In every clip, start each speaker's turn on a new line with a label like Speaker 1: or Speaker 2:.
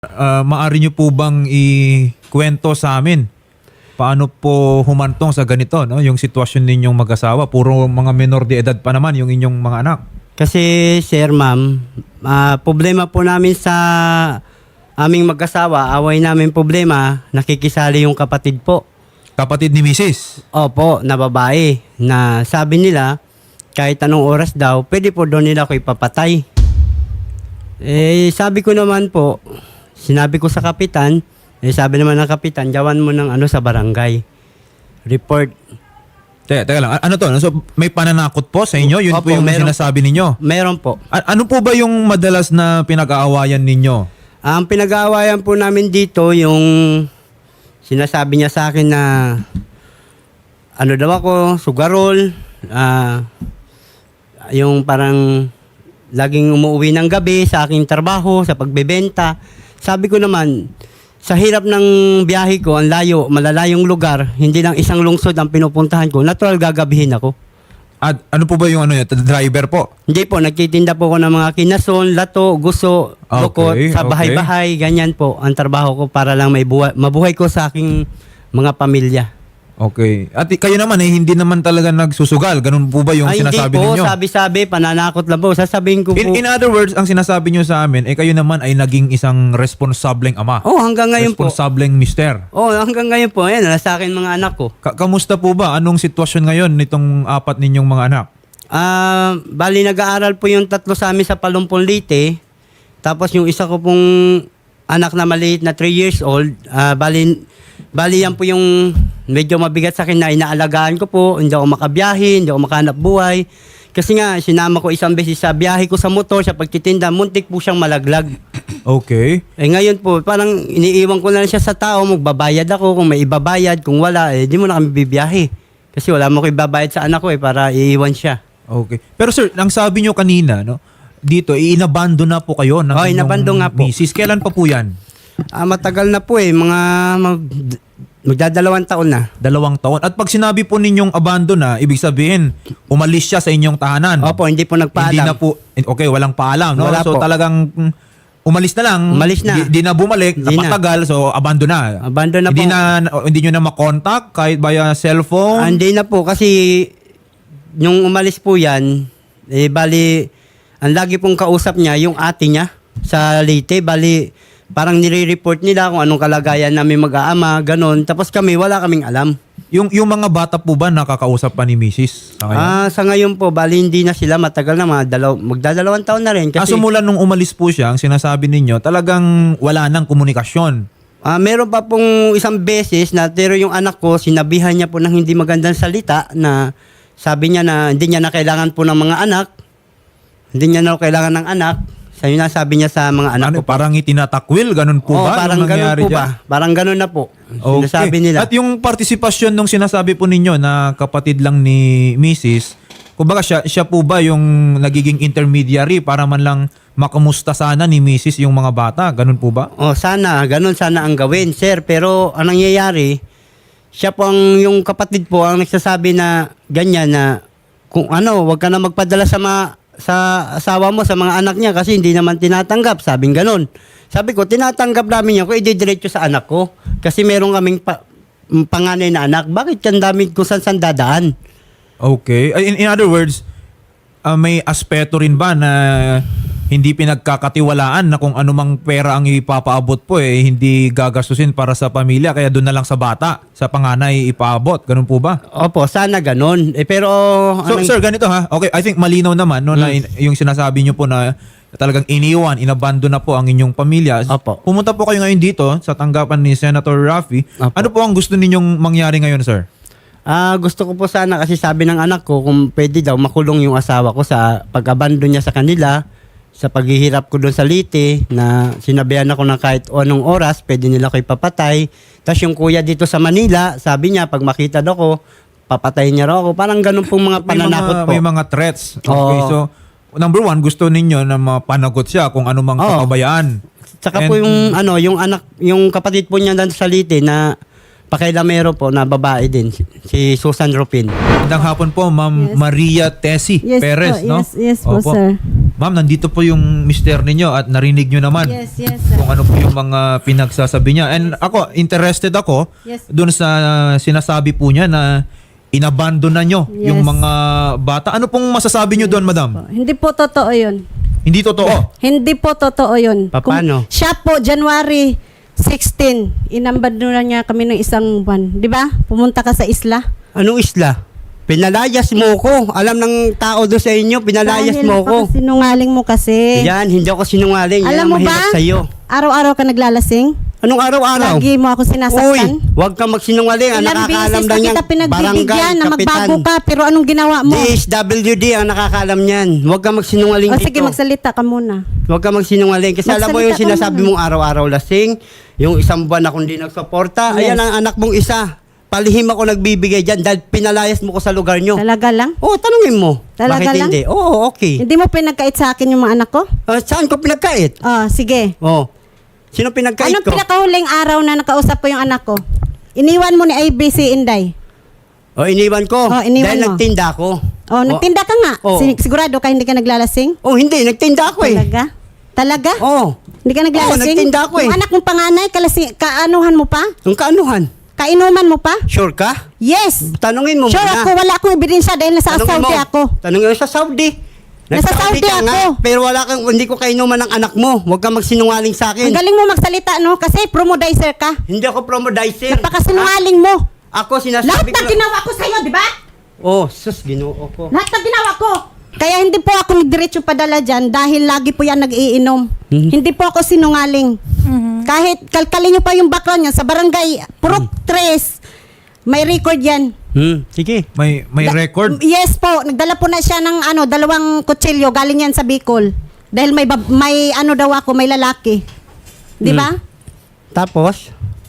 Speaker 1: Maari niyo po bang ikwento sa amin paano po humantong sa ganito, no? Yung sitwasyon ninyong mag-asawa, puro mga menor de edad pa naman yung inyong mga anak.
Speaker 2: Kasi sir, ma'am, problema po namin sa aming mag-asawa, away namin problema, nakikisali yung kapatid po.
Speaker 1: Kapatid ni Mrs.
Speaker 2: Opo, na babae, na sabi nila, kahit anong oras daw, pwede po doon nila ako ipapatay. Sabi ko naman po, sinabi ko sa kapitan, sabi naman ng kapitan, jawan mo ng sa barangay. Report.
Speaker 1: Teka lang, ano to? So, may pananakot po sa inyo? Yun
Speaker 2: Opo,
Speaker 1: po yung
Speaker 2: meron.
Speaker 1: sinasabi ninyo?
Speaker 2: Meron po.
Speaker 1: Ano po ba yung madalas na pinag-aawayan ninyo?
Speaker 2: Ang pinag-aawayan po namin dito, yung sinasabi niya sa akin na ano daw ako, sugarol, yung parang laging umuwi ng gabi sa aking trabaho, sa pagbebenta. Sabi ko naman, sa hirap ng biyahe ko, ang layo, malalayong lugar, hindi lang isang lungsod ang pinupuntahan ko, natural gagabihin ako.
Speaker 1: At ano po ba yung driver po?
Speaker 2: Hindi po, nagtitinda po ako ng mga kinason, lato, guso, lukot, sa bahay-bahay, ganyan po ang trabaho ko para lang mabuhay ko sa aking mga pamilya.
Speaker 1: Okay. At kayo naman hindi naman talaga nagsusugal. Ganun po ba yung sinasabi ninyo?
Speaker 2: Hindi po, sabi-sabi, pananakot lang po. Sasabihin ko po.
Speaker 1: In other words, ang sinasabi nyo sa amin, kayo naman ay naging isang responsableng ama.
Speaker 2: Hanggang ngayon po.
Speaker 1: Responsableng mister.
Speaker 2: Hanggang ngayon po. Ayan, nasa akin mga anak ko.
Speaker 1: Kamusta po ba? Anong sitwasyon ngayon nitong apat ninyong mga anak?
Speaker 2: Bali, nag-aaral po yung tatlo sa amin sa Palumpong Leyte. Tapos yung isa ko pong anak na maliit na 3 years old, bali yan po yung medyo mabigat sa akin na inaalagaan ko po. Hindi ako makabiyahe, hindi ako makahanap buhay. Kasi nga, sinama ko isang beses sa biyahe ko sa motor, sa pagtitinda, muntik po siyang malaglag.
Speaker 1: Okay.
Speaker 2: Ngayon po, parang iniiwan ko na lang siya sa tao, magbabayad ako, kung may ibabayad, kung wala, di mo na kami bibiyahe. Kasi wala mo ko ibabayad sa anak ko para iiwan siya.
Speaker 1: Okay. Pero sir, ang sabi nyo kanina, no, dito, inabando na po kayo ng
Speaker 2: inabando nga po.
Speaker 1: misis. Kailan pa po yan?
Speaker 2: Matagal na po magdadalawang taon na.
Speaker 1: 2 taon. At pag sinabi po ninyong abandon na, ibig sabihin, umalis siya sa inyong tahanan.
Speaker 2: Opo, hindi po nagpaalam.
Speaker 1: Hindi na po, okay, walang paalam. No?
Speaker 2: Wala
Speaker 1: So
Speaker 2: po.
Speaker 1: talagang umalis na lang.
Speaker 2: Umalis na.
Speaker 1: Di na bumalik, napatagal, so abandon na.
Speaker 2: Abandon na
Speaker 1: Hindi nyo na makontak kahit via cellphone?
Speaker 2: Hindi na po kasi yung umalis po yan, bali, ang lagi pong kausap niya, yung ate niya sa Leyte, bali, parang nire-report nila kung anong kalagayan namin mag-aama, ganon. Tapos kami, wala kaming alam.
Speaker 1: Yung mga bata po ba nakakausap pa ni Mrs. sa ngayon?
Speaker 2: Sa ngayon po, bali hindi na sila matagal na, magdadalawang taon na rin. Kasi,
Speaker 1: mula nung umalis po siya, ang sinasabi ninyo, talagang wala nang komunikasyon.
Speaker 2: meron pa pong isang beses na pero yung anak ko, sinabihan niya po ng hindi magandang salita na sabi niya na hindi niya na kailangan po ng mga anak. Hindi niya na kailangan ng anak. Sabi na sabi niya sa mga anak ko.
Speaker 1: Parang itinatakwil, ganun po ba?
Speaker 2: Parang ganun po ba? Parang ganun na po.
Speaker 1: Okay.
Speaker 2: Sinasabi nila.
Speaker 1: At yung partisipasyon nung sinasabi po ninyo na kapatid lang ni Mrs., kumbaga siya po ba yung nagiging intermediary para man lang makamusta sana ni Mrs. yung mga bata? Ganun po ba?
Speaker 2: Sana. Ganun sana ang gawin, sir. Pero ang nangyayari, siya po yung kapatid po ang nagsasabi na ganyan na kung wag ka na magpadala sa asawa mo, sa mga anak niya kasi hindi naman tinatanggap. Sabing ganun. Sabi ko, tinatanggap namin yan kung ididiretso sa anak ko. Kasi meron kaming panganay na anak. Bakit yan dami kung saan dadaan?
Speaker 1: Okay. In other words, may aspeto rin ba na hindi pinagkakatiwalaan na kung anumang pera ang ipapaabot po hindi gagastusin para sa pamilya kaya doon na lang sa bata, sa panganay ipaabot. Ganun po ba?
Speaker 2: Opo, sana ganun. Pero
Speaker 1: So sir, ganito ha. Okay, I think malinaw naman no, na yung sinasabi niyo po na talagang inabandon na po ang inyong pamilya.
Speaker 2: Opo.
Speaker 1: Pumunta po kayo ngayon dito sa tanggapan ni Senator Raffy.
Speaker 2: Opo.
Speaker 1: Ano po ang gusto ninyong mangyari ngayon, sir?
Speaker 2: Gusto ko po sana kasi sabi ng anak ko kung pwede daw makulong yung asawa ko sa pag-abandon niya sa kanila, sa paghihirap ko doon sa Leyte na sinabihan ako na kahit anong oras pwede nila ko ipapatay. Tapos yung kuya dito sa Manila, sabi niya pag makita daw ko, papatayin niya raw ako. Parang ganun pong mga pananakot po.
Speaker 1: May mga threats. Okay, so number 1, gusto ninyo na mapanagot siya kung anumang kapabayaan.
Speaker 2: Tsaka po yung anak, yung kapatid po niya doon sa Leyte na pakailamero po na babae din, si Susan Rupin.
Speaker 1: Magandang hapon po, Ma'am Maria Tessie
Speaker 3: Yes
Speaker 1: Perez,
Speaker 3: po,
Speaker 1: no?
Speaker 3: yes po,
Speaker 1: Opo.
Speaker 3: sir.
Speaker 1: Ma'am, nandito po yung mister ninyo at narinig nyo naman
Speaker 3: Yes, yes, sir.
Speaker 1: kung ano po yung mga pinagsasabi niya. And ako, interested ako
Speaker 3: Yes.
Speaker 1: doon sa sinasabi po niya na inabandon na nyo
Speaker 3: Yes.
Speaker 1: yung mga bata. Ano pong masasabi nyo doon, madam?
Speaker 3: Hindi po totoo yun.
Speaker 1: Hindi totoo.
Speaker 3: Hindi po totoo yun.
Speaker 2: Paano?
Speaker 3: Siya po, January 16, inabandona niya kami ng isang buwan. Di ba? Pumunta ka sa isla.
Speaker 2: Anong isla? Pinalayas mo ko. Alam ng tao doon sa inyo, pinalayas
Speaker 3: Dahil
Speaker 2: mo ko.
Speaker 3: sinungaling mo kasi.
Speaker 2: Yan, hindi ako sinungaling. Yan
Speaker 3: Alam
Speaker 2: ang
Speaker 3: mo ba?
Speaker 2: mahirap sa'yo.
Speaker 3: Araw-araw ka naglalasing?
Speaker 2: Anong araw-araw?
Speaker 3: Lagi mo ako
Speaker 2: Uy,
Speaker 3: sinasaktan?
Speaker 2: huwag kang magsinungaling. Ang
Speaker 3: Ilang
Speaker 2: nakakaalam
Speaker 3: beses
Speaker 2: lang
Speaker 3: na
Speaker 2: yan,
Speaker 3: kita pinagbibigyan
Speaker 2: barangay,
Speaker 3: na magbago
Speaker 2: kapitan.
Speaker 3: ka, pero anong ginawa mo?
Speaker 2: DSWD ang nakakaalam niyan. Huwag kang magsinungaling
Speaker 3: O
Speaker 2: dito.
Speaker 3: sige, magsalita ka muna.
Speaker 2: Huwag kang magsinungaling. Kasi alam mo yung
Speaker 3: Magsalita ka
Speaker 2: sinasabi
Speaker 3: muna.
Speaker 2: mong araw-araw lasing, yung isang buwan akong di nagsuporta,
Speaker 3: Yes.
Speaker 2: ayan ang anak mong isa. Palihim ako nagbibigay dyan dahil pinalayas mo ko sa lugar nyo.
Speaker 3: Talaga lang?
Speaker 2: Oo, tanungin mo.
Speaker 3: Talaga
Speaker 2: Bakit
Speaker 3: lang?
Speaker 2: hindi? Oo, okay.
Speaker 3: Hindi mo pinagkait sa akin yung mga anak ko?
Speaker 2: Saan ko pinagkait?
Speaker 3: Oh, sige.
Speaker 2: Oo. Sino pinagkait
Speaker 3: Anong
Speaker 2: ko?
Speaker 3: pinakahuling araw na nakausap ko yung anak ko? Iniwan mo ni ABC Inday.
Speaker 2: Iniwan ko.
Speaker 3: Oh, iniwan
Speaker 2: dahil
Speaker 3: mo.
Speaker 2: nagtinda ako.
Speaker 3: Oh, nagtinda ka nga.
Speaker 2: Oo.
Speaker 3: Sigurado ka hindi ka naglalasing?
Speaker 2: Hindi. Nagtinda ako eh.
Speaker 3: Talaga? Talaga?
Speaker 2: Oo.
Speaker 3: Hindi ka naglalasing?
Speaker 2: nagtinda ako eh.
Speaker 3: Yung anak mong panganay, kaanuhan mo pa?
Speaker 2: Yung kaanuhan?
Speaker 3: Kainuman mo pa?
Speaker 2: Sure ka?
Speaker 3: Yes!
Speaker 2: Tanungin mo
Speaker 3: Sure
Speaker 2: muna.
Speaker 3: ako, wala akong ebidensya dahil nasa
Speaker 2: Tanungin
Speaker 3: Saudi
Speaker 2: mo.
Speaker 3: ako.
Speaker 2: Tanungin mo sa Saudi.
Speaker 3: Nasa Saudi
Speaker 2: ka nga,
Speaker 3: ako.
Speaker 2: pero hindi ko kainuman ng anak mo. Huwag kang magsinungaling sa
Speaker 3: Ang
Speaker 2: akin.
Speaker 3: galing mo magsalita, no? Kasi promodizer ka.
Speaker 2: Hindi ako promodizer.
Speaker 3: Napakasinungaling mo.
Speaker 2: Ako
Speaker 3: Lahat
Speaker 2: sinasabi
Speaker 3: ng ginawa ko sa'yo, di ba?
Speaker 2: Oh, sus, ginoo ko.
Speaker 3: Lahat ng ginawa ko. Kaya hindi po ako nagdiretso padala dyan dahil lagi po yan nag-iinom. Hindi po ako sinungaling. Kahit kalkalin nyo pa yung background niya sa barangay Purok 3, may record yan.
Speaker 2: Sige.
Speaker 1: May record?
Speaker 3: Yes po, nagdala po na siya ng 2 kutsilyo, galing yan sa Bicol. Dahil may daw ako, may lalaki. Di ba?
Speaker 2: Tapos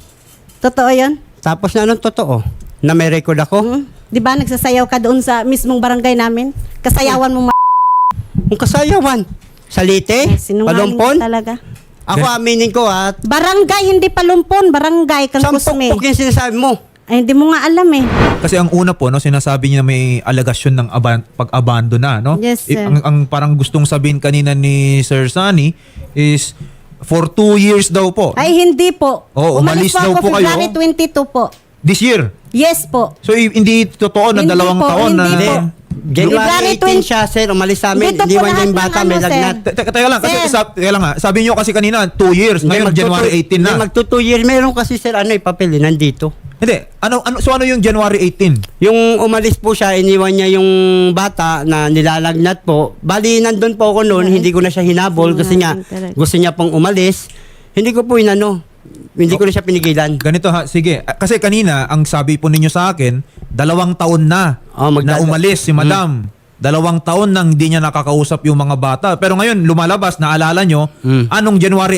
Speaker 3: Totoo yun?
Speaker 2: na anong totoo? Na may record ako?
Speaker 3: Di ba nagsasayaw ka doon sa mismong barangay namin? Kasayawan mo
Speaker 2: Kung kasayawan. Salite?
Speaker 3: sinungaling
Speaker 2: Palumpon?
Speaker 3: ka talaga.
Speaker 2: Ako aminin ko at
Speaker 3: Barangay, hindi palumpon. Barangay, kang kusme.
Speaker 2: sampok yung sinasabi mo.
Speaker 3: Ay, hindi mo nga alam eh.
Speaker 1: Kasi ang una po, no, sinasabi niya may alegasyon ng pag-abandon na, no?
Speaker 3: Yes, sir.
Speaker 1: Ang parang gustong sabihin kanina ni Sir Sunny is for 2 years daw po.
Speaker 3: Ay, hindi po.
Speaker 1: Oo, umalis daw
Speaker 3: ako
Speaker 1: po kayo.
Speaker 3: February 22 po.
Speaker 1: This year.
Speaker 3: Yes po.
Speaker 1: So hindi totoo na
Speaker 3: Hindi
Speaker 1: 2
Speaker 3: po,
Speaker 1: taon na...
Speaker 3: hindi po.
Speaker 2: January
Speaker 3: February
Speaker 2: 18 siya, sir. Umalis sa amin.
Speaker 3: Dito po
Speaker 2: Iniwan niya
Speaker 3: lahat
Speaker 2: yung
Speaker 3: ng
Speaker 2: bata,
Speaker 3: ano,
Speaker 2: may
Speaker 3: sir.
Speaker 2: lagnat.
Speaker 1: Teka lang, kasi
Speaker 3: Sir.
Speaker 1: teka lang nga. Sabi niyo kasi kanina 2 years. Ngayon January 18 na.
Speaker 2: Magto 2 years. Meron kasi, sir, papel, nandito.
Speaker 1: Hindi. So ano yung January 18?
Speaker 2: Yung umalis po siya, iniwan niya yung bata na nilalagnat po. Bali, nandun po ako noon, hindi ko na siya hinabol kasi nga gusto niya pong umalis. Hindi ko po hindi ko na siya pinigilan.
Speaker 1: Ganito ha, sige. Kasi kanina, ang sabi po ninyo sa akin, 2 taon na na umalis si Madam. 2 taon nang hindi niya nakakausap yung mga bata. Pero ngayon, lumalabas, naalala nyo, anong January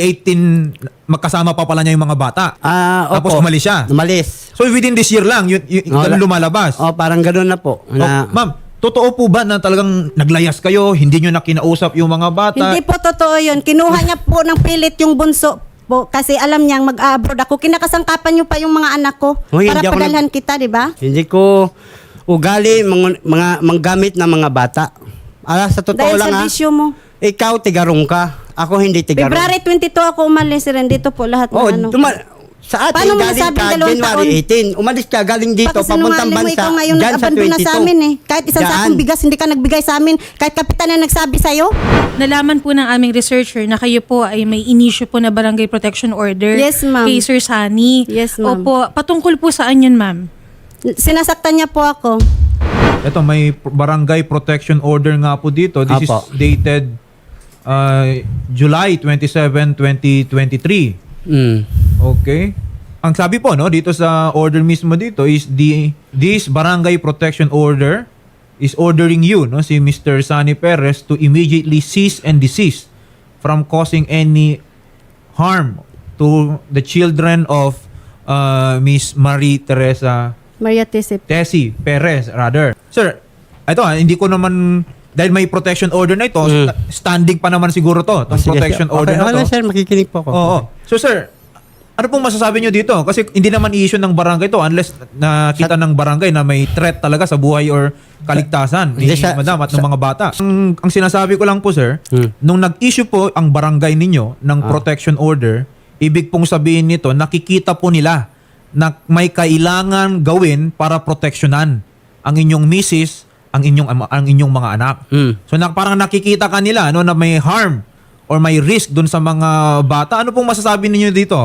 Speaker 1: 18, magkasama pa pala niya yung mga bata. Tapos
Speaker 2: Opo.
Speaker 1: umalis siya.
Speaker 2: Umalis.
Speaker 1: So within this year lang, ganun lumalabas.
Speaker 2: Parang gano'n na po. Na,
Speaker 1: Ma'am, totoo po ba na talagang naglayas kayo, hindi nyo na kinausap yung mga bata?
Speaker 3: Hindi po totoo yun. Kinuha niya po ng pilit yung bunso po kasi alam niyang mag-abroad ako. Kinakasangkapan niyo pa yung mga anak ko
Speaker 2: Hoy,
Speaker 3: para
Speaker 2: hindi ako
Speaker 3: padalhan kita, di ba?
Speaker 2: hindi ko ugali mga manggamit ng mga bata. Sa totoo
Speaker 3: Dahil
Speaker 2: lang
Speaker 3: sa bisyo mo.
Speaker 2: ikaw tigarong ka. Ako hindi tigarong.
Speaker 3: February 22 ako umalis rin. Dito po lahat ng ano.
Speaker 2: Sa atin,
Speaker 3: Paano mo
Speaker 2: galing
Speaker 3: nasabing
Speaker 2: ka
Speaker 3: 2
Speaker 2: January 18. Umalis ka, galing dito, papuntang
Speaker 3: Pagkasinungaling mo,
Speaker 2: bansa.
Speaker 3: ikaw ngayon
Speaker 2: Dyan sa
Speaker 3: nag-abandon na
Speaker 2: 22.
Speaker 3: sa amin eh. Kahit isang
Speaker 2: Dyan.
Speaker 3: sakong bigas, hindi ka nagbigay sa amin. Kahit kapitan na nagsabi sa'yo.
Speaker 4: Nalaman po ng aming researcher na kayo po ay may inisyu po na barangay protection order
Speaker 3: Yes, ma'am.
Speaker 4: kay Sir Sunny.
Speaker 3: Yes, ma'am.
Speaker 4: Opo, patungkol po saan yun, ma'am?
Speaker 3: Sinasaktan niya po ako.
Speaker 1: Ito, may barangay protection order nga po dito. This
Speaker 2: Apo.
Speaker 1: is dated July 27, 2023. Okay. Ang sabi po no dito sa order mismo dito is this barangay protection order is ordering you no si Mr. Sunny Perez to immediately cease and desist from causing any harm to the children of Miss Marie Teresa
Speaker 3: Maria Tisip.
Speaker 1: Tessie Perez rather. Sir, ito hindi ko naman dahil may protection order na ito, standing pa naman siguro to, itong
Speaker 2: Sige,
Speaker 1: protection
Speaker 2: sir.
Speaker 1: order
Speaker 2: Okay,
Speaker 1: na to.
Speaker 2: sir, makikinig po ako.
Speaker 1: Oo. So sir, Ano pong masasabi nyo dito? Kasi hindi naman i-issue ng barangay to unless nakita ng barangay na may threat talaga sa buhay or kaligtasan ni
Speaker 2: Hindi,
Speaker 1: madam at ng mga bata. Ang sinasabi ko lang po, sir, nung nag-issue po ang barangay ninyo ng protection order, ibig pong sabihin nito, nakikita po nila na may kailangan gawin para proteksyonan ang inyong misis, ang inyong mga anak. So parang nakikita kanila no, na may harm or may risk dun sa mga bata. Ano pong masasabi ninyo dito?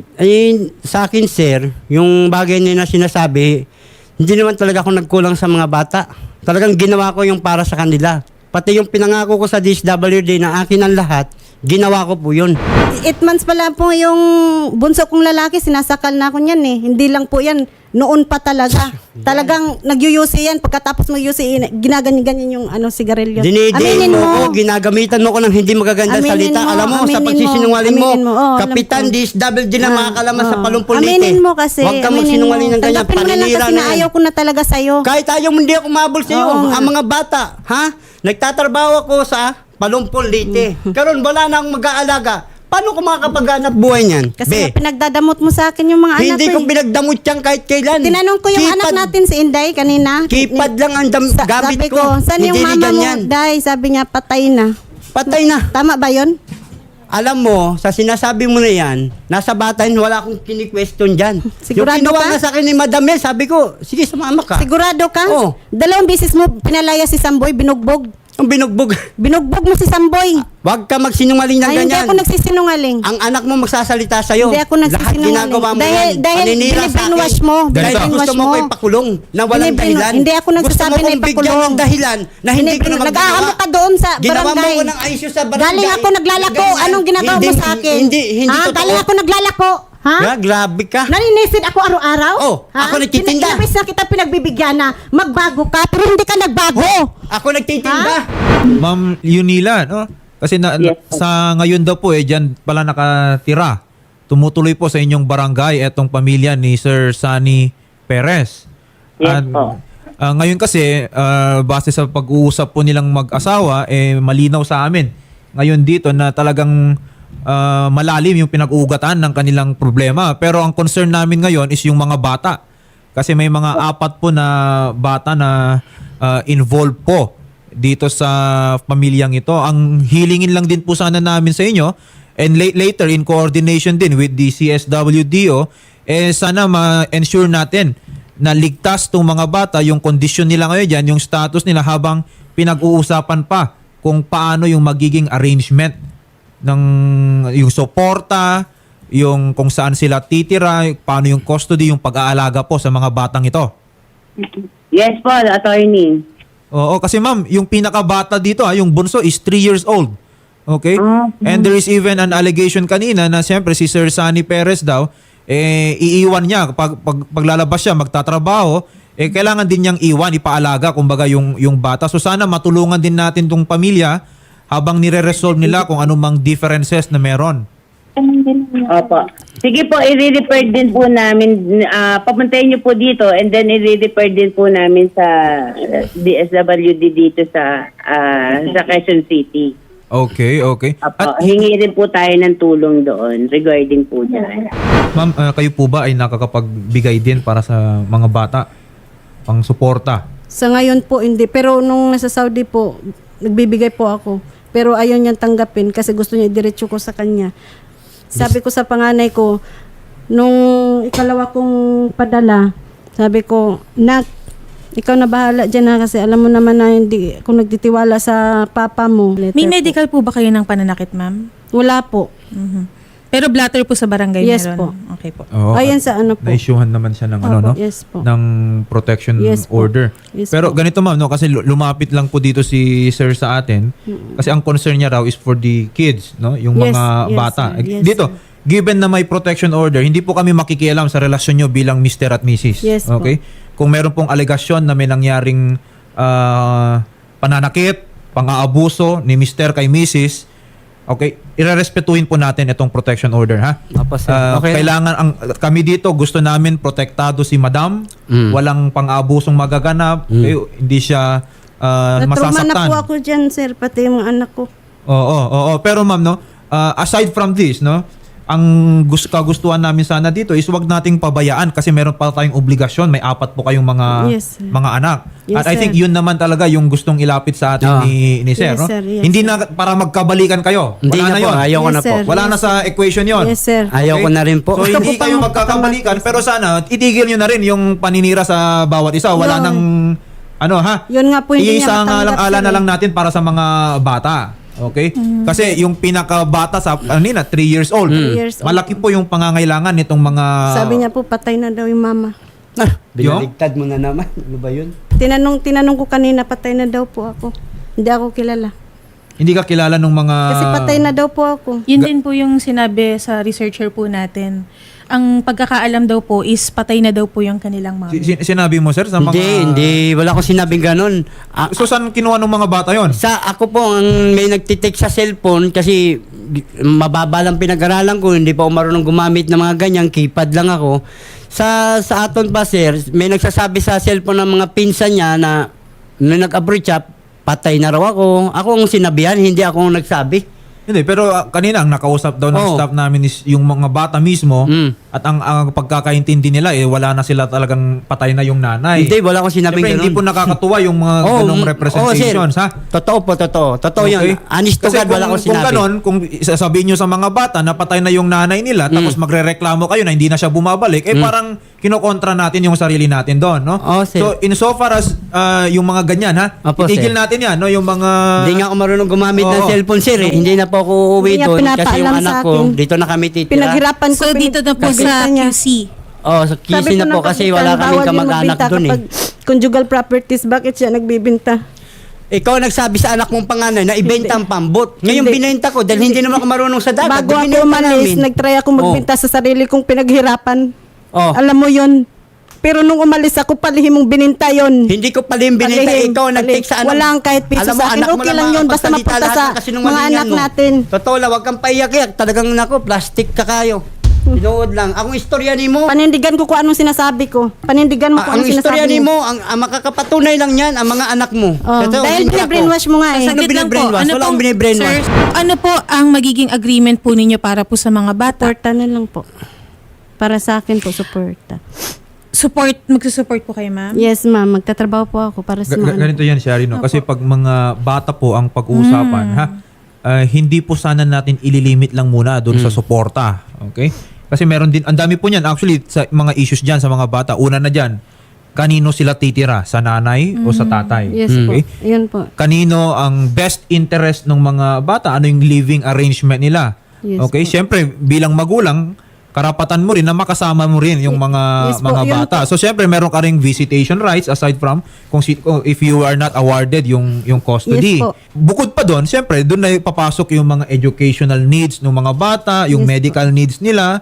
Speaker 2: Ay, sa akin, sir, yung bagay na sinasabi, hindi naman talaga ako nagkulang sa mga bata. Talagang ginawa ko yung para sa kanila. Pati yung pinangako ko sa DSWD na akin ang lahat, ginawa ko po yun.
Speaker 3: 8 months pa lang po yung bunso kong lalaki, sinasakal na ako niyan eh. Hindi lang po yan, noon pa talaga. Talagang nagyuyusi yan. Pagkatapos magyusi, ginaganyan-ganyan yung sigarilyo.
Speaker 2: Dinidiin mo ko, ginagamitan mo ko ng hindi magaganda
Speaker 3: Aminin
Speaker 2: salita.
Speaker 3: mo,
Speaker 2: Alam mo, sa
Speaker 3: aminin
Speaker 2: pagsisinungaling mo,
Speaker 3: mo. Oo, alam
Speaker 2: Kapitan
Speaker 3: ko.
Speaker 2: DSWD na makakalaman sa Palumpulite.
Speaker 3: Aminin mo kasi.
Speaker 2: Huwag kang
Speaker 3: aminin
Speaker 2: magsinungaling
Speaker 3: mo.
Speaker 2: ng ganyan.
Speaker 3: Tanggapin mo na lang
Speaker 2: Paninira
Speaker 3: kasi
Speaker 2: na
Speaker 3: na
Speaker 2: yan.
Speaker 3: ayaw ko na talaga sa'yo.
Speaker 2: Kahit ayaw mo, hindi ako mabol sa iyo.
Speaker 3: Oo nga.
Speaker 2: Ang mga bata, ha? Nagtatrabaho ako sa Palumpulite. Karon wala na akong mag-aalaga. Paano ko makakapaghanap buhay niyan?
Speaker 3: Kasi
Speaker 2: Be,
Speaker 3: nga pinagdadamot mo sa akin yung mga anak
Speaker 2: hindi
Speaker 3: ko
Speaker 2: ko
Speaker 3: eh.
Speaker 2: pinagdamot yan kahit kailan.
Speaker 3: Tinanong ko yung anak natin si Inday kanina.
Speaker 2: Kipad lang ang gamit
Speaker 3: Sabi
Speaker 2: ko.
Speaker 3: ko, saan yung
Speaker 2: Hindi
Speaker 3: mama mo?
Speaker 2: ganyan.
Speaker 3: Day, sabi niya, patay na.
Speaker 2: Patay na.
Speaker 3: Tama ba yun?
Speaker 2: Alam mo, sa sinasabi mo na yan, nasa bata yun, wala akong kini-question dyan.
Speaker 3: Sigurado
Speaker 2: yung kinuha
Speaker 3: ka?
Speaker 2: nga sa akin ni Madam Mel, sabi ko, sige, sumama ka.
Speaker 3: Sigurado ka?
Speaker 2: Oo.
Speaker 3: 2 beses mo pinalaya si Samboy, binugbog.
Speaker 2: Ang binugbog.
Speaker 3: Binugbog mo si Samboy.
Speaker 2: Huwag ka magsinungaling ng
Speaker 3: Ay, hindi
Speaker 2: ganyan.
Speaker 3: ako nagsisinungaling.
Speaker 2: Ang anak mo magsasalita sa'yo.
Speaker 3: Hindi ako
Speaker 2: Lahat
Speaker 3: nagsisinungaling.
Speaker 2: ginagawa mo
Speaker 3: Dahil-
Speaker 2: yan.
Speaker 3: dahil
Speaker 2: Paninira sa
Speaker 3: binibrainwash
Speaker 2: akin.
Speaker 3: mo.
Speaker 2: Dahil
Speaker 3: Binibrainwash
Speaker 2: gusto mo
Speaker 3: mo.
Speaker 2: ko ipakulong na walang
Speaker 3: Binibrain-
Speaker 2: dahilan.
Speaker 3: hindi ako nagsasabi
Speaker 2: Gusto mo
Speaker 3: na
Speaker 2: kong bigyan
Speaker 3: ipakulong.
Speaker 2: ng dahilan na hindi ko na
Speaker 3: Nag-aamo
Speaker 2: magagawa.
Speaker 3: ka doon sa
Speaker 2: Ginawa mo
Speaker 3: barangay.
Speaker 2: ko ng ayos sa barangay.
Speaker 3: Galing ako naglalako.
Speaker 2: Ganyan.
Speaker 3: Anong ginagawa mo
Speaker 2: Hindi-
Speaker 3: sa akin?
Speaker 2: Hindi totoo.
Speaker 3: Galing ako naglalako. Ha?
Speaker 2: Grabe ka.
Speaker 3: Naninisid ako araw-araw?
Speaker 2: Oh, ako nagtitinda.
Speaker 3: Ilang beses na kita pinagbibigyan na magbago ka, pero hindi ka nagbago.
Speaker 2: Ako nagtitinda.
Speaker 1: Ma'am Yunila, no? Kasi sa ngayon daw po diyan pala nakatira. Tumutuloy po sa inyong barangay etong pamilya ni Sir Sunny Perez.
Speaker 5: Yes
Speaker 1: At,
Speaker 5: po.
Speaker 1: ngayon kasi base sa pag-uusap po nilang mag-asawa malinaw sa amin ngayon dito na talagang malalim yung pinag-uugatan ng kanilang problema. Pero ang concern namin ngayon is yung mga bata. Kasi may mga 4 po na bata na involved po dito sa pamilyang ito. Ang hilingin lang din po sana namin sa inyo and later in coordination din with the CSWDO sana ma-ensure natin na ligtas tong mga bata, yung kondisyon nila ngayon dyan, yung status nila habang pinag-uusapan pa kung paano yung magiging arrangement ng yung suporta, yung kung saan sila titira, paano yung custody, yung pag-aalaga po sa mga batang ito.
Speaker 5: Yes po, attorney.
Speaker 1: Oo, kasi ma'am, yung pinakabata dito, yung bunso is 3 years old. Okay? And there is even an allegation kanina na siyempre si Sir Sunny Perez daw, iiwan niya, paglalabas siya, magtatrabaho, kailangan din niyang iwan, ipaalaga, kumbaga yung bata. So sana matulungan din natin tong pamilya habang nire-resolve nila kung anumang differences na meron.
Speaker 5: Opo. Sige po, i-refer din po namin, papuntayin niyo po dito and then i-refer din po namin sa DSWD dito sa Quezon City.
Speaker 1: Okay.
Speaker 5: Opo, hingi rin po tayo ng tulong doon regarding po dyan.
Speaker 1: Ma'am, kayo po ba ay nakakapagbigay din para sa mga bata? Pang suporta?
Speaker 3: Sa ngayon po hindi, pero nung nasa Saudi po, nagbibigay po ako. Pero ayaw niyang tanggapin kasi gusto niya diretso ko sa kanya. Sabi ko sa panganay ko, nung ikalawa kong padala, sabi ko, Nak, ikaw na bahala dyan ha kasi alam mo naman na hindi kung nagtitiwala sa papa mo.
Speaker 4: May medical po ba kayo ng pananakit, ma'am?
Speaker 3: Wala po.
Speaker 4: Mhm. Pero blatter po sa barangay
Speaker 3: Yes
Speaker 4: meron?
Speaker 3: po.
Speaker 4: Okay po.
Speaker 1: Oo,
Speaker 3: Ayan sa ano po.
Speaker 1: na-issuehan naman siya ng
Speaker 3: Opo, yes po.
Speaker 1: ng protection
Speaker 3: Yes po.
Speaker 1: order.
Speaker 3: Yes
Speaker 1: Pero
Speaker 3: po.
Speaker 1: ganito ma'am, no, kasi lumapit lang po dito si Sir sa atin. Kasi ang concern niya raw is for the kids, no, yung
Speaker 3: Yes,
Speaker 1: mga
Speaker 3: yes,
Speaker 1: bata.
Speaker 3: sir. Yes,
Speaker 1: Dito, given na may protection order, hindi po kami makikialam sa relasyon nyo bilang Mr. at Mrs.
Speaker 3: Yes po.
Speaker 1: Okay? Kung meron pong alegasyon na may nangyaring pananakit, pang-aabuso ni Mr. kay Mrs., okay, irerespetuhin po natin itong protection order, ha?
Speaker 2: Opo, sir. Okay.
Speaker 1: Kailangan kami dito gusto namin protektado si Madam, walang pang-abusong magaganap, okay, hindi siya
Speaker 3: Natruma na
Speaker 1: masasaktan.
Speaker 3: po ako dyan, sir, pati yung mga anak ko.
Speaker 1: Oo. Pero ma'am, no, aside from this, no, ang kagustuhan namin sana dito is wag nating pabayaan kasi meron pa tayong obligasyon. May 4 po kayong
Speaker 3: Yes, sir.
Speaker 1: mga anak.
Speaker 3: Yes,
Speaker 1: At I think
Speaker 3: sir.
Speaker 1: yun naman talaga yung gustong ilapit sa atin ni Sir.
Speaker 3: Yes,
Speaker 1: No?
Speaker 3: sir. Yes,
Speaker 1: Hindi
Speaker 3: sir.
Speaker 1: na para magkabalikan kayo.
Speaker 2: Hindi
Speaker 1: Wala
Speaker 2: na po,
Speaker 1: yun.
Speaker 2: ayaw ko
Speaker 3: Yes,
Speaker 2: na po.
Speaker 3: sir.
Speaker 1: Wala na sa equation yon.
Speaker 3: Yes, sir.
Speaker 2: Ayaw ko na rin po.
Speaker 1: So
Speaker 3: Gusto
Speaker 1: hindi
Speaker 3: ko pa
Speaker 1: kayo
Speaker 3: yung
Speaker 1: magkakabalikan pero sana itigil nyo na rin yung paninira sa bawat isa. Wala
Speaker 3: Yun.
Speaker 1: nang
Speaker 3: Yun nga po, hindi niya
Speaker 1: iisang
Speaker 3: matanggap,
Speaker 1: alang-ala
Speaker 3: sir,
Speaker 1: na lang
Speaker 3: eh.
Speaker 1: natin para sa mga bata. Okay? Kasi yung pinakabata sa 3 years old.
Speaker 3: 3 years old.
Speaker 1: Malaki po yung pangangailangan nitong mga
Speaker 3: Sabi niya po, patay na daw yung mama.
Speaker 2: Binaligtad mo na naman. Ano ba yun?
Speaker 3: Tinanong ko kanina, patay na daw po ako. Hindi ako kilala.
Speaker 1: Hindi ka kilala ng mga
Speaker 3: Kasi patay na daw po ako.
Speaker 4: Yun din po yung sinabi sa researcher po natin. Ang pagkakaalam daw po is patay na daw po yung kanilang mama.
Speaker 1: Sinabi mo sir sa mga
Speaker 2: Hindi. Wala akong sinabing ganun.
Speaker 1: So saan kinuha ng mga bata yon?
Speaker 2: Sa ako po ang may nagtitik sa cellphone kasi mababa lang pinag-aralan ko, hindi pa ako marunong gumamit ng mga ganyan, keypad lang ako. Sa aton pa sir, may nagsasabi sa cellphone ng mga pinsan niya na nung nag-abroad siya, patay na raw ako. Ako ang sinabihan, hindi ako ang nagsabi.
Speaker 1: Hindi, pero kanina ang nakausap daw ng
Speaker 2: Oo.
Speaker 1: staff namin is yung mga bata mismo
Speaker 2: Mm.
Speaker 1: at ang pagkakaintindi nila wala na sila talagang patay na yung nanay.
Speaker 2: Hindi, wala akong sinabing
Speaker 1: Siyempre,
Speaker 2: ganun.
Speaker 1: hindi po nakakatuwa yung mga ganong representations, ha?
Speaker 2: Totoo po, totoo. Totoo yun. Honest to
Speaker 1: Kasi
Speaker 2: God, wala akong
Speaker 1: kung
Speaker 2: sinabi.
Speaker 1: ganon, kung sasabihin nyo sa mga bata na patay na yung nanay nila tapos magrereklamo kayo na hindi na siya bumabalik, parang kinokontra natin yung sarili natin doon, no?
Speaker 2: Oo, sir.
Speaker 1: So, insofar as yung mga ganyan, ha?
Speaker 2: Opo,
Speaker 1: Itigil
Speaker 2: sir.
Speaker 1: natin yan, no? Yung mga...
Speaker 2: Hindi nga ako marunong gumamit ng
Speaker 1: Oo.
Speaker 2: cellphone, sir. Hindi na po ako uuwi
Speaker 3: Hindi niya
Speaker 2: doon kasi yung
Speaker 3: pinapaalam
Speaker 2: anak
Speaker 3: sa
Speaker 2: ko,
Speaker 3: akin.
Speaker 2: dito na kami titira.
Speaker 3: Pinaghirapan ko.
Speaker 4: So dito na po sa
Speaker 3: Kabita niya.
Speaker 4: QC.
Speaker 2: Oh, sa kisi na po kasi wala kaming kamag-anak doon eh.
Speaker 3: Kapag conjugal properties, bakit siya nagbibinta?
Speaker 2: Ikaw nagsabi sa anak mong panganay na ibenta ang pambot. Ngayon
Speaker 3: Hindi.
Speaker 2: binenta ko dahil hindi naman ako marunong sa dagat.
Speaker 3: Bago ako
Speaker 2: Binenta
Speaker 3: umalis,
Speaker 2: namin.
Speaker 3: nagtry ako magbinta sa sarili kong pinaghirapan.
Speaker 2: Oh.
Speaker 3: Alam mo yun. Pero nung umalis ako, palihim mong bininta yun.
Speaker 2: Hindi ko palim binenta.
Speaker 3: Palihim,
Speaker 2: Ikaw nag-take sa anak.
Speaker 3: Walang kahit piso
Speaker 2: Alam mo,
Speaker 3: sa akin.
Speaker 2: anak mo
Speaker 3: Okay lang yun, basta
Speaker 2: makapagsalita
Speaker 3: mapunta
Speaker 2: lahat
Speaker 3: sa
Speaker 2: ng kasinungalingan
Speaker 3: mga anak
Speaker 2: mo.
Speaker 3: natin.
Speaker 2: Totoo lang, wag kang paiyak-iyak. Talagang nako, plastic ka kayo. Tinuod lang. Akong istorya ni mo.
Speaker 3: Panindigan ko kung anong sinasabi ko. Panindigan mo kung
Speaker 2: Ang
Speaker 3: anong
Speaker 2: istorya
Speaker 3: sinasabi
Speaker 2: ni
Speaker 3: mo.
Speaker 2: mo, ang makakapatunay lang yan, ang mga anak mo.
Speaker 3: Oh,
Speaker 2: Totoo,
Speaker 3: dahil
Speaker 2: hindi ako.
Speaker 3: binabrainwash mo nga eh.
Speaker 2: Saan
Speaker 4: Saglit lang po.
Speaker 2: binabrainwash? Wala
Speaker 4: pong-
Speaker 2: akong binabrainwash.
Speaker 4: Sir, ano po ang magiging agreement po ninyo para po sa mga bata?
Speaker 3: Suporta na lang po. Para sa akin po, suporta.
Speaker 4: Magsusupport po kayo, ma'am?
Speaker 3: Yes, ma'am. Magtatrabaho po ako para sa mga anak.
Speaker 1: Ganito yan, Shari, no? Kasi pag mga bata po ang pag-uusapan, ha? Hindi po sana natin ililimit lang muna doon sa suporta. Okay? Kasi meron din, ang dami po niyan actually sa mga issues diyan sa mga bata. Una na diyan, kanino sila titira? Sa nanay o sa tatay?
Speaker 3: Yes po.
Speaker 1: Okay?
Speaker 3: Yun po.
Speaker 1: Kanino ang best interest ng mga bata? Ano yung living arrangement nila?
Speaker 3: Yes
Speaker 1: Okay?
Speaker 3: po.
Speaker 1: Siyempre, bilang magulang, karapatan mo rin na makasama mo rin yung mga
Speaker 3: Yes po,
Speaker 1: mga
Speaker 3: yun
Speaker 1: bata. So siyempre meron ka ring visitation rights aside from kung if you are not awarded yung custody.
Speaker 3: Yes po.
Speaker 1: Bukod pa doon, siyempre doon na papasok yung mga educational needs ng mga bata, yung
Speaker 3: Yes po.
Speaker 1: medical needs nila,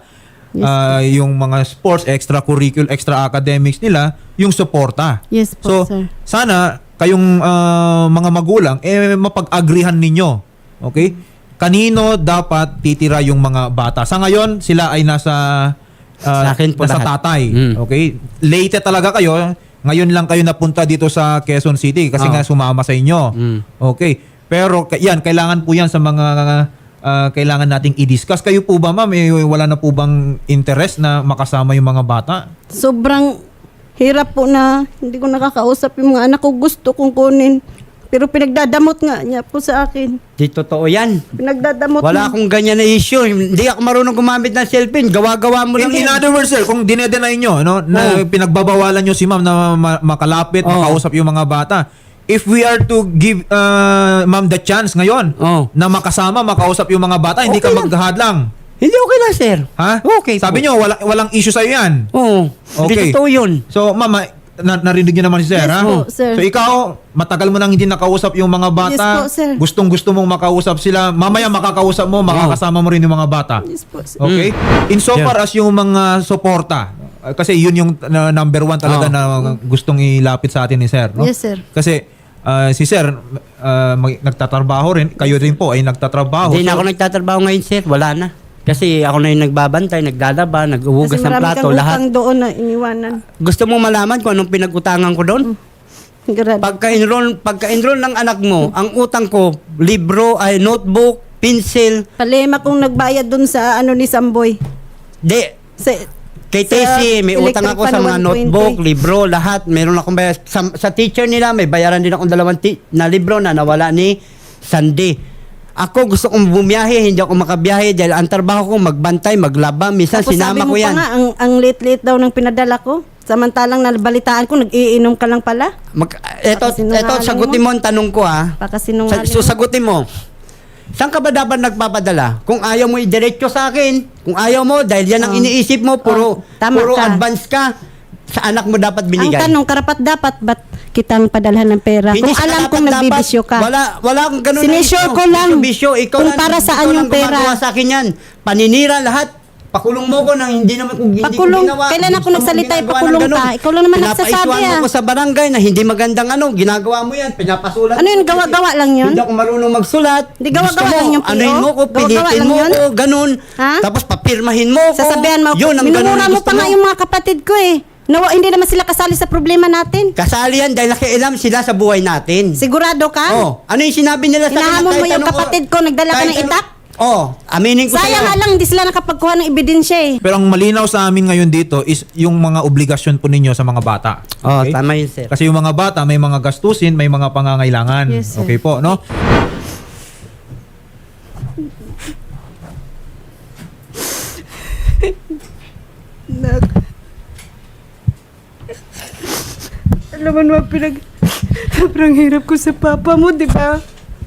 Speaker 1: yung mga sports, extracurricular, extra academics nila, yung suporta.
Speaker 3: Yes po,
Speaker 1: So
Speaker 3: sir.
Speaker 1: sana kayong mga magulang mapag-agrihan ninyo. Okay? Kanino dapat titira yung mga bata? Sa ngayon, sila ay nasa
Speaker 2: Sa akin po
Speaker 1: nasa
Speaker 2: lahat.
Speaker 1: tatay.
Speaker 2: Mm.
Speaker 1: Okay? Late talaga kayo. Ngayon lang kayo napunta dito sa Quezon City kasi nga sumama sa inyo.
Speaker 2: Mm.
Speaker 1: Okay. Pero yan, kailangan po yan sa mga kailangan nating i-discuss. Kayo po ba, ma'am, wala na po bang interest na makasama yung mga bata?
Speaker 3: Sobrang hirap po na hindi ko nakakausap yung mga anak ko. Gusto kong kunin. Pero pinagdadamot nga niya po sa akin.
Speaker 2: Di totoo yan.
Speaker 3: Pinagdadamot
Speaker 2: Wala
Speaker 3: na.
Speaker 2: akong ganyan na issue. Hindi ako marunong gumamit ng cellphone. Gawa-gawa mo lang
Speaker 1: In
Speaker 2: yan.
Speaker 1: other words, sir, kung dinedenay nyo, no, na pinagbabawalan nyo si ma'am na makalapit, makausap yung mga bata, if we are to give ma'am the chance ngayon na makasama, makausap yung mga bata, hindi ka
Speaker 2: Okay lang.
Speaker 1: maghahadlang.
Speaker 2: Hindi okay lang, sir.
Speaker 1: Ha?
Speaker 2: Okay
Speaker 1: Sabi
Speaker 2: po.
Speaker 1: nyo, walang issue sa'yo yan.
Speaker 2: Oo.
Speaker 1: Okay.
Speaker 2: Hindi totoo yun.
Speaker 1: So, ma'am, narinig niyo naman si sir,
Speaker 3: Yes
Speaker 1: ha?
Speaker 3: po, sir.
Speaker 1: So, ikaw, matagal mo nang hindi nakausap yung mga bata.
Speaker 3: Yes po, sir.
Speaker 1: Gustong-gusto mong makausap sila. Mamaya makakausap mo, makakasama mo rin yung mga bata.
Speaker 3: Yes po, sir.
Speaker 1: Okay? In so far as yung mga suporta, kasi yun yung number one talaga na gustong ilapit sa atin ni sir. No?
Speaker 3: Yes, sir.
Speaker 1: Kasi si sir, nagtatrabaho rin. Kayo rin po ay nagtatrabaho.
Speaker 2: Hindi na
Speaker 1: So,
Speaker 2: ako nagtatrabaho ngayon, sir. Wala na. Kasi ako na yung nagbabantay, naglalaba, nag-uhugas
Speaker 3: Kasi
Speaker 2: ng
Speaker 3: marami
Speaker 2: plato,
Speaker 3: kang
Speaker 2: lahat.
Speaker 3: utang doon na iniwanan.
Speaker 2: Gusto mo malaman kung anong pinag-utangan ko doon?
Speaker 3: Grabe.
Speaker 2: Pagka-enroll ng anak mo, ang utang ko, libro, ay notebook, pencil,
Speaker 3: Palema kung nagbayad dun sa ano ni Samboy. Sa,
Speaker 2: kay
Speaker 3: Sa
Speaker 2: Tessie, may utang
Speaker 3: electric
Speaker 2: ako sa
Speaker 3: pan,
Speaker 2: mga
Speaker 3: 120.
Speaker 2: notebook, libro, lahat. Meron akong bayar. Sa teacher nila, may bayaran din akong 2 na libro na nawala ni Sandy. Ako gusto kong bumiyahe, hindi ako makabiyahe dahil ang trabaho ko magbantay, maglaba. Minsan
Speaker 3: tapos sabi
Speaker 2: sinama
Speaker 3: mo
Speaker 2: ko yan.
Speaker 3: pa nga, ang late-late daw ng pinadala ko. Samantalang nabalitaan ko, nag-iinom ka lang pala.
Speaker 2: Eto,
Speaker 3: Pakasinungaling
Speaker 2: sagutin mo ang tanong ko ha.
Speaker 3: Pakasinungaling
Speaker 2: So sagutin mo. Saan ka ba dapat nagpapadala? Kung ayaw mo i-diretso sa akin, kung ayaw mo, dahil yan ang iniisip mo, puro
Speaker 3: tama ka.
Speaker 2: advance ka, sa anak mo dapat binigay.
Speaker 3: Ang tanong, karapat dapat ba't kitang padalhan ng pera?
Speaker 2: Hindi
Speaker 3: Kung
Speaker 2: sa
Speaker 3: alam
Speaker 2: karapat
Speaker 3: kong
Speaker 2: dapat.
Speaker 3: nagbibisyo ka.
Speaker 2: Wala akong ganun. na
Speaker 3: Sinisure
Speaker 2: bisyo.
Speaker 3: ko lang
Speaker 2: Bisyo, ikaw
Speaker 3: kung
Speaker 2: lang,
Speaker 3: para saan
Speaker 2: ikaw
Speaker 3: yung
Speaker 2: lang gumagawa
Speaker 3: pera.
Speaker 2: sa akin yan. Paninira lahat. Pakulong mo ko nang hindi naman kung hindi
Speaker 3: Pakulong?
Speaker 2: ko ginawa.
Speaker 3: Kailan ako
Speaker 2: Gusto mo
Speaker 3: nagsalita,
Speaker 2: ginagawa
Speaker 3: pakulong
Speaker 2: ng ganun.
Speaker 3: ka? Ikaw lang naman nagsasabi,
Speaker 2: Pinapaisuan mo ko sa barangay na hindi magandang ginagawa mo yan. Pinapasulat
Speaker 3: Ano yun,
Speaker 2: mo.
Speaker 3: gawa-gawa lang yun?
Speaker 2: Hindi ako marunong magsulat.
Speaker 3: Di gawa-gawa
Speaker 2: Gusto mo,
Speaker 3: lang yung PO?
Speaker 2: anuhin mo ko,
Speaker 3: Gawa-gawa
Speaker 2: pilitin
Speaker 3: lang
Speaker 2: mo
Speaker 3: yun?
Speaker 2: ko, ganun.
Speaker 3: Ha?
Speaker 2: Tapos papirmahin mo ko.
Speaker 3: Sasabihan mo,
Speaker 2: Yun ang ganun
Speaker 3: minumura
Speaker 2: ang
Speaker 3: mo
Speaker 2: gusto
Speaker 3: pa nga yung mga kapatid ko eh. Hindi naman sila kasali sa problema natin.
Speaker 2: Kasali yan dahil nakialam sila sa buhay natin.
Speaker 3: Sigurado ka?
Speaker 2: Oh, ano yung sinabi nila sa akin?
Speaker 3: Hinahamon mo
Speaker 2: Kahit
Speaker 3: yung
Speaker 2: anong
Speaker 3: kapatid ko, nagdala ka
Speaker 2: kahit
Speaker 3: ng itak?
Speaker 2: Aminin ko
Speaker 3: Sayang
Speaker 2: sa'yo.
Speaker 3: nga lang, hindi sila nakapagkuha ng ebidensya eh.
Speaker 1: Pero ang malinaw sa amin ngayon dito is yung mga obligasyon po ninyo sa mga bata.
Speaker 2: Oh, tama yun, sir.
Speaker 1: Kasi yung mga bata may mga gastusin, may mga pangangailangan.
Speaker 3: Yes, sir.
Speaker 1: Okay po, no?
Speaker 6: Alam mo naman, sobrang hirap ko sa papa mo, di ba?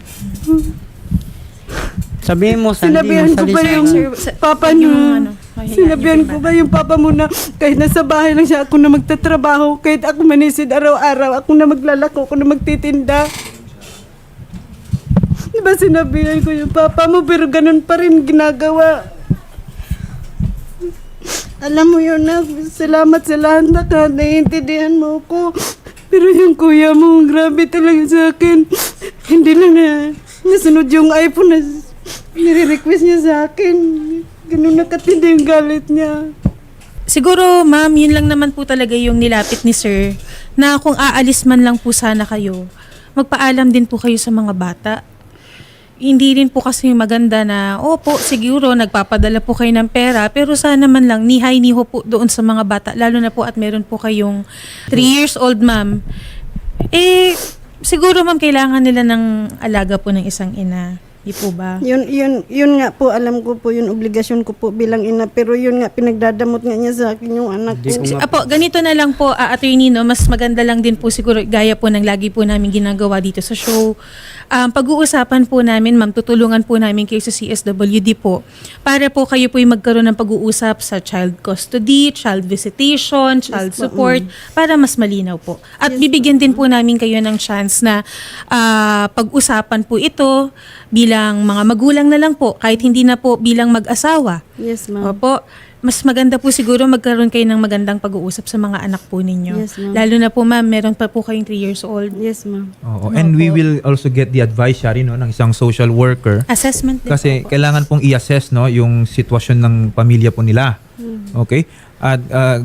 Speaker 2: Sabihin mo, Sandy,
Speaker 6: Sinabihan ko ba yung papa niyo? Sinabihan ko ba yung papa mo na kahit nasa bahay lang siya, ako na magtatrabaho, kahit ako manisid araw-araw, ako na maglalako, ako na magtitinda. Di ba sinabihan ko yung papa mo, pero ganun pa rin ginagawa. Alam mo yun na, salamat sa lahat na ka, naiintindihan mo ko. Pero yung kuya mo, grabe talaga sa akin. Hindi lang na nasunod yung iPhone na nire-request niya sa akin. Ganun nakatindi yung galit niya.
Speaker 4: Siguro, ma'am, yun lang naman po talaga yung nilapit ni sir na kung aalis man lang po sana kayo, magpaalam din po kayo sa mga bata. Hindi rin po kasi maganda na, opo, siguro nagpapadala po kayo ng pera, pero sana man lang nihay-niho po doon sa mga bata, lalo na po at meron po kayong 3 years old, ma'am. Siguro, ma'am, kailangan nila ng alaga po ng isang ina. Di po ba?
Speaker 6: Yun nga po, alam ko po, yun obligasyon ko po bilang ina, pero yun nga, pinagdadamot nga niya sa akin yung anak ko.
Speaker 4: Apo, ganito na lang po, attorney, no, mas maganda lang din po siguro, gaya po ng lagi po namin ginagawa dito sa show. Pag-uusapan po namin, ma'am, tutulungan po namin kayo sa CSWD po para po kayo po yung magkaroon ng pag-uusap sa child custody, child visitation, child support, para mas malinaw po. At bibigyan din po namin kayo ng chance na pag-usapan po ito bilang mga magulang na lang po, kahit hindi na po bilang mag-asawa.
Speaker 3: Yes, ma'am.
Speaker 4: Opo. Mas maganda po siguro magkaroon kayo ng magandang pag-uusap sa mga anak po ninyo.
Speaker 3: Yes, ma'am.
Speaker 4: Lalo na po, ma'am, meron pa po kayong 3 years old.
Speaker 3: Yes, ma'am.
Speaker 1: Oo. And we will also get the advice, Shari, no, ng isang social worker.
Speaker 4: Assessment din
Speaker 1: Kasi
Speaker 4: po.
Speaker 1: kailangan pong i-assess, no, yung sitwasyon ng pamilya po nila. Okay? At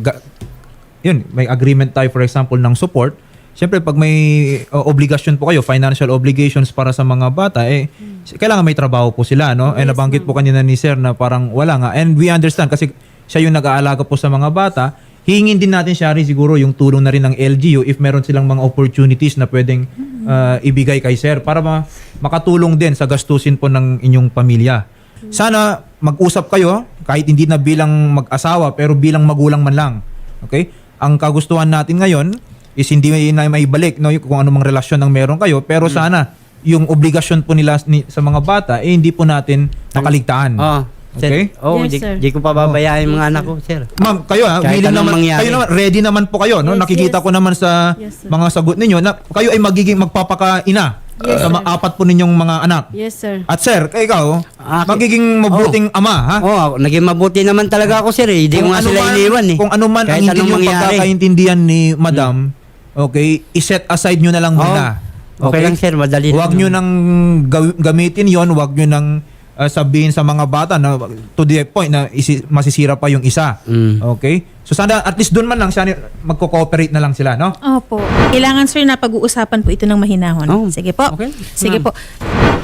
Speaker 1: yun, may agreement tayo, for example, ng support. Siyempre, pag may obligasyon po kayo, financial obligations para sa mga bata, kailangan may trabaho po sila, no? And nabanggit po kanina ni Sir na parang wala nga. And we understand kasi siya yung nag-aalaga po sa mga bata. Hingin din natin, Shari, siguro yung tulong na rin ng LGU if meron silang mga opportunities na pwedeng ibigay kay Sir para makatulong din sa gastusin po ng inyong pamilya. Sana mag-usap kayo, kahit hindi na bilang mag-asawa, pero bilang magulang man lang. Okay? Ang kagustuhan natin ngayon is hindi na maibalik, no, kung anumang relasyon ang meron kayo, pero sana yung obligasyon po nila sa mga bata hindi po natin nakaligtaan. Okay?
Speaker 3: Yes, sir.
Speaker 2: Di ko pababayaan yung mga anak ko, sir.
Speaker 1: Ma'am, kayo
Speaker 2: Kahit
Speaker 1: willing
Speaker 2: anong
Speaker 1: naman,
Speaker 2: mangyari.
Speaker 1: kayo naman, ready naman po kayo, no?
Speaker 3: Yes,
Speaker 1: Nakikita
Speaker 3: yes.
Speaker 1: ko naman sa
Speaker 3: Yes, sir.
Speaker 1: mga sagot ninyo na kayo ay magiging magpapakaina sa mga apat po ninyong mga anak.
Speaker 3: Yes, sir.
Speaker 1: At sir, ikaw, magiging mabuting ama, ha?
Speaker 2: Naging mabuti naman talaga ako, sir. Hindi ko nga sila iniwan, eh.
Speaker 1: Kung ano man ang
Speaker 2: Kahit
Speaker 1: hindi
Speaker 2: anong
Speaker 1: nyo
Speaker 2: mangyari.
Speaker 1: pagkakaintindihan ni Madam, okay, iset aside nyo na lang muna.
Speaker 2: Okay lang, sir. Madali
Speaker 1: Huwag
Speaker 2: lang.
Speaker 1: nyo nang gamitin yon, huwag nyo nang sabihin sa mga bata na to the point na masisira pa yung isa. Okay? So sana at least doon man lang sana magko-cooperate na lang sila, no?
Speaker 4: Opo. Kailangan, sir, na pag-uusapan po ito ng mahinahon.
Speaker 2: Oh,
Speaker 4: Sige po.
Speaker 2: okay.
Speaker 4: Sige
Speaker 2: Ma'am.
Speaker 4: po.